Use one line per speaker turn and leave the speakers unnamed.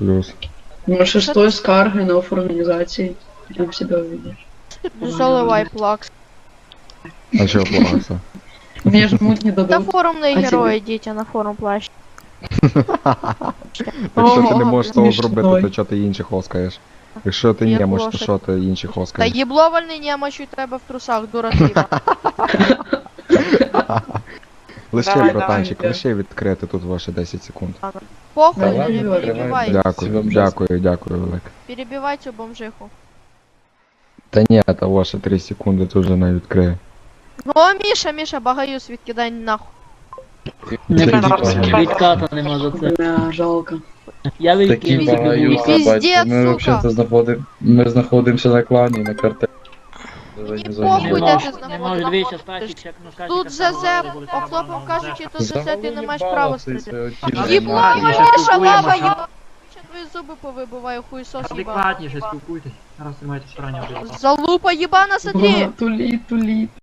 Плюс.
Ну, 6 скарги на организации. Там себя увидишь.
Заливай плакс.
А чого плакса?
Мне жмут не
Та
дадут.
форумний
А
герой, йдіть на форум плащ.
Якщо ти не
Ого,
можеш того
смішно.
зробити, то чого ти інших оскаєш? Якщо ти
Як
не можеш, то
лошадь.
що ти інших
Та
оскаєш?
єбловальний немочу треба в трусах, дура тиба.
Лише,
Давай,
братанчик,
давай.
лише відкрити тут ваші 10 секунд.
Похуй,
Давай,
не
давай,
перебивай.
Дякую, дякую, дякую, велике.
Перебивай цю бомжиху.
Та ні, та ваші 3 секунди тут вже не відкриє.
О, Міша, багаюсь, відкидай нахуй.
Не
Такі
відката нема за це.
Бля, жалко.
Я
Такі
відкинув собі
багаюся,
вуйка.
Піздець,
батько. Ми
сука.
взагалі знаходимося на клані, на картелі.
Мені
Не
похуй, де
можу,
ти
не можу, дивіться,
знаходиш.
статік, як на
Тут ЗЗ, охлопом кажучи, тут ЗЗ, ти не маєш права стріляти. Єблова,
Ладно,
Міша,
спілкуємося.
лава, єблова. Я твої зуби повибиваю, хуйсос єбаний.
Адекватніше спілкуйтесь. Зараз тримайте в стороні.
Залупа єбана, смотри!
Тулит.